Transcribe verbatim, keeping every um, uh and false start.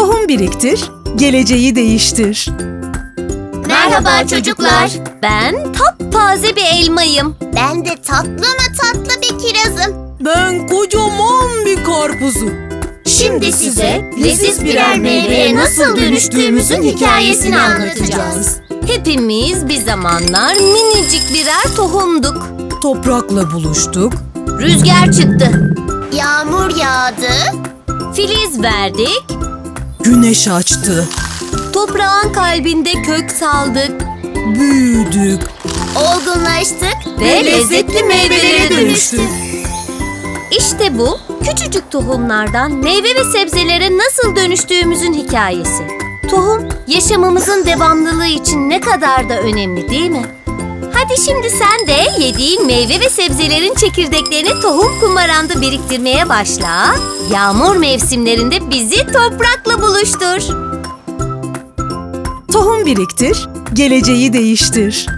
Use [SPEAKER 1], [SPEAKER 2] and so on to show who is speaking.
[SPEAKER 1] Tohum biriktir, geleceği değiştir.
[SPEAKER 2] Merhaba çocuklar.
[SPEAKER 3] Ben taptaze bir elmayım.
[SPEAKER 2] Ben de tatlı mı tatlı bir kirazım.
[SPEAKER 1] Ben kocaman bir karpuzum.
[SPEAKER 2] Şimdi size leziz birer meyveye nasıl dönüştüğümüzün hikayesini anlatacağız.
[SPEAKER 3] Hepimiz bir zamanlar minicik birer tohumduk.
[SPEAKER 1] Toprakla buluştuk.
[SPEAKER 3] Rüzgar çıktı,
[SPEAKER 2] Yağmur yağdı.
[SPEAKER 3] filiz verdik,
[SPEAKER 1] Güneş açtı.
[SPEAKER 3] toprağın kalbinde kök saldık
[SPEAKER 1] Büyüdük.
[SPEAKER 2] Olgunlaştık
[SPEAKER 3] ve lezzetli meyvelere dönüştük.
[SPEAKER 1] dönüştük.
[SPEAKER 3] İşte bu küçücük tohumlardan meyve ve sebzelere nasıl dönüştüğümüzün hikayesi. Tohum, yaşamımızın devamlılığı için ne kadar da önemli değil mi? Hadi şimdi sen de yediğin meyve ve sebzelerin çekirdeklerini tohum kumaranda biriktirmeye başla. Yağmur mevsimlerinde bizi toprakla buluştur.
[SPEAKER 1] Tohum biriktir, geleceği değiştir.